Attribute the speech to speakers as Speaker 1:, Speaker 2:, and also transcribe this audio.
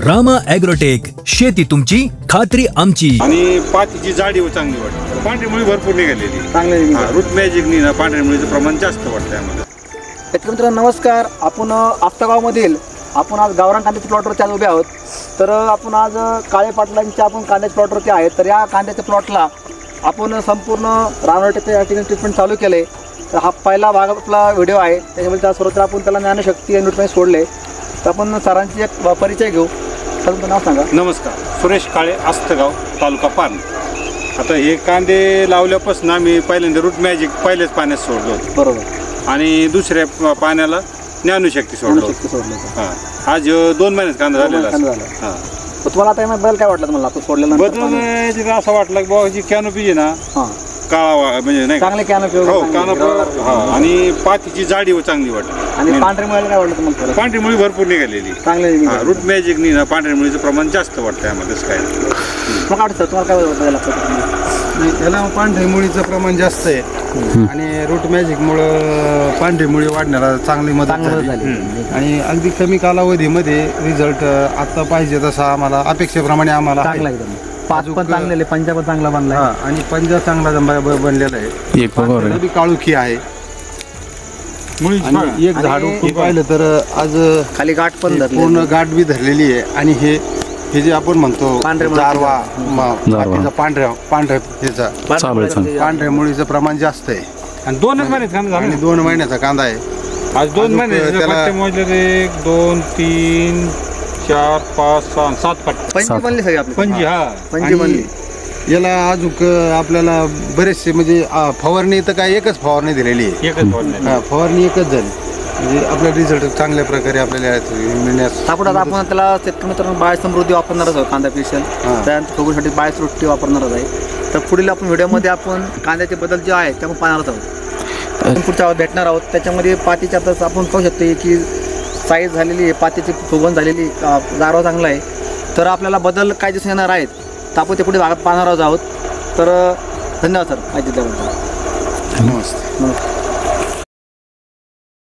Speaker 1: Rama agrotech, शेती तुमची खात्री आमची.
Speaker 2: आणि पातीची जाडी चांगली वाटते. पांढरी मुळी भरपूर निघालेली.
Speaker 3: चांगले
Speaker 2: रूट मॅजिकनी ना पांढऱ्या मुळीचं प्रमाण जास्त वाटतं आम्हाला.
Speaker 3: मित्रांनो नमस्कार. आपण आप्तागावमधील आपण आज गावरान कांद्याच्या प्लॉटवरती आज उभे आहोत. तर आपण आज काळे पाटलांच्या आपण कांद्याच्या प्लॉटवरती आहेत. तर या कांद्याच्या प्लॉटला आपण संपूर्ण रानवटीचं या ठिकाणी ट्रीटमेंट चालू केलं आहे. तर हा पहिला भाग आपला व्हिडिओ आहे. त्याच्यामध्ये त्या सर्वत्र आपण त्याला ज्ञानशक्ती आणि न्यूट्रिएंट सोडले. तर आपण सरांची एक परिचय घेऊ. तर तुमचं नाव सांगा.
Speaker 2: नमस्कार, सुरेश काळे, आस्तगाव, तालुका पान. आता हे कांदे लावल्यापासून आम्ही पहिल्यांदा रूट मॅजिक पहिल्याच पाण्यात सोडलो होतो.
Speaker 3: बरोबर.
Speaker 2: आणि दुसऱ्या पाण्याला ज्ञानशक्ती सोडलो होतो. हां, आज 2 महिन्यात कांदा झालेला. हां,
Speaker 3: तुम्हाला आता यामध्ये बदल काय वाटलं तुम्हाला आपण सोडल्यानंतर?
Speaker 2: बदलून असं वाटलं की बाबा जी कॅनोपी आहे ना,
Speaker 3: हां
Speaker 2: काळा म्हणजे नाही
Speaker 3: चांगले कॅनोपी
Speaker 2: हो कानोपी. आणि पातीची जाडी चांगली वाटते.
Speaker 3: आणि पांढरी मुळी काय वाटलं तुम्हाला?
Speaker 2: पांढरी मुळी भरपूर निघालेली.
Speaker 3: चांगले
Speaker 2: रूट मॅजिकनी ना पांढऱ्या मुळीचं प्रमाण जास्त वाटतं आम्हाला. तसं काय
Speaker 3: मग वाटतं तुम्हाला काय बदल
Speaker 4: नाही, त्याला पांढरी मुळीचं प्रमाण जास्त आहे. आणि रूट मॅजिकमुळं पांढरी मुळी वाढण्याला चांगली मदत झाली. आणि अगदी कमी कालावधीमध्ये रिझल्ट आता पाहिजे तसा आम्हाला अपेक्षेप्रमाणे आम्हाला
Speaker 3: चांगला एकदम. पाच पण चांगले, पंजाब चांगला बनला.
Speaker 4: आणि पंजा चांगला बनलेला आहे. पांढरी काळुखी आहे. आणि एक झाड उपटून पाहिलं तर आज
Speaker 3: खाली गाठ पण
Speaker 4: पूर्ण गाठ बी धरलेली आहे. आणि हे जे आपण म्हणतो जारवा पाठीचा पांढऱ्या पांढऱ्या मुळीचं प्रमाण जास्त आहे.
Speaker 2: आणि 2च महिन्यात कांदा
Speaker 4: आणि 2 महिन्याचा कांदा आहे.
Speaker 2: आज 2 महिने त्याला मोजले 1 2 3 4 5 6 7 पट्टे.
Speaker 3: पंजी बनली सगळी आपली.
Speaker 2: पंजी. हा,
Speaker 3: पंजी बनली.
Speaker 4: याला अजून आपल्याला बरेचसे म्हणजे फवारणी तर काय एकच फवारणी दिलेली आहे.
Speaker 2: एकच बोलले.
Speaker 4: फवारणी एकच झाली. म्हणजे आपला रिझल्ट चांगल्या प्रकारे आपल्याला मिळण्यास.
Speaker 3: आपण आता आपण त्याला शेतकरी मित्रांनो बाय समृद्धी वापरणारच आहोत. कांदा स्पेशल त्यानंतर फुगूसाठी बाय सृष्टी वापरणारच आहे. तर पुढील आपण व्हिडिओमध्ये आपण कांद्याचे बदल जे आहे ते आपण पाहणारच आहोत. आपण पुढच्या भेटणार आहोत. त्याच्यामध्ये पातीच्या आता आपण पाहू शकतो की साईज झालेली आहे, पातीची फुगवण झालेली, गारवा चांगला आहे. तर आपल्याला बदल काय दिसून येणार आहेत तर आपण ते पुढे भागात पाहणार आहोत. तर धन्यवाद सर माहिती दिल्याबद्दल.
Speaker 4: नमस्ते.
Speaker 3: नमस्ते.